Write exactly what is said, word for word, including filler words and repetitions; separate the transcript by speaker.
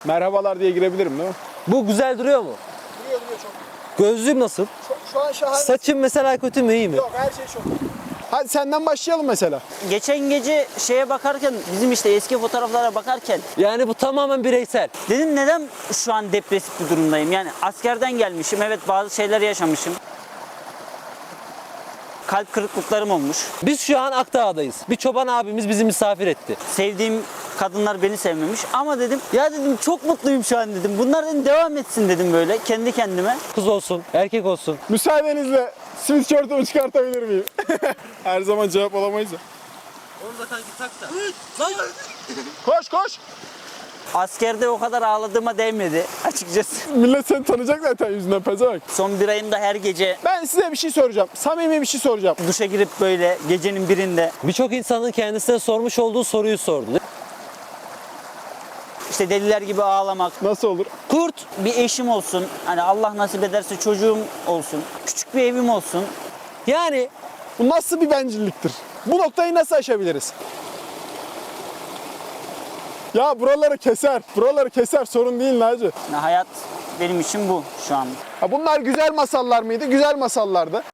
Speaker 1: Merhabalar diye girebilirim değil mi?
Speaker 2: Bu güzel duruyor mu?
Speaker 1: Duruyor duruyor çok.
Speaker 2: Gözlüğüm nasıl?
Speaker 1: Çok şu an şahane.
Speaker 2: Saçım mesela kötü mü iyi mi?
Speaker 1: Yok, her şey çok. Hadi senden başlayalım mesela.
Speaker 3: Geçen gece şeye bakarken, bizim işte eski fotoğraflara bakarken
Speaker 2: Yani bu tamamen bireysel.
Speaker 3: dedim neden şu an depresif bir durumdayım? Yani askerden gelmişim, evet bazı şeyler yaşamışım. Kalp kırıklıklarım olmuş.
Speaker 2: Biz şu an Akdağ'dayız. Bir çoban abimiz bizi misafir etti.
Speaker 3: Sevdiğim kadınlar beni sevmemiş ama dedim ya dedim çok mutluyum şu an dedim. Bunlar dedim devam etsin dedim böyle kendi kendime.
Speaker 2: Kız olsun, erkek olsun.
Speaker 1: Müsaadenizle sweatshirt'ımı çıkartabilir miyim? Her zaman cevap alamayız ya.
Speaker 2: Onu da kanki tak da.
Speaker 1: Koş koş.
Speaker 3: Askerde o kadar ağladığıma değmedi açıkçası.
Speaker 1: Millet seni tanıyacak zaten yüzünden, pezevenk.
Speaker 3: Son bir ayımda her gece
Speaker 1: Ben size bir şey soracağım. Samimi bir şey soracağım.
Speaker 3: duşa girip böyle gecenin birinde
Speaker 2: Birçok insanın kendisine sormuş olduğu soruyu sordu.
Speaker 3: işte deliler gibi ağlamak.
Speaker 1: Nasıl olur?
Speaker 2: Kurt.
Speaker 3: Bir eşim olsun, hani Allah nasip ederse çocuğum olsun, küçük bir evim olsun.
Speaker 2: Yani
Speaker 1: Bu nasıl bir bencilliktir? Bu noktayı nasıl aşabiliriz? Ya buraları keser. Buraları keser. Sorun değil Naci.
Speaker 3: Yani hayat benim için bu şu an.
Speaker 1: Ha bunlar güzel masallar mıydı? Güzel masallardı.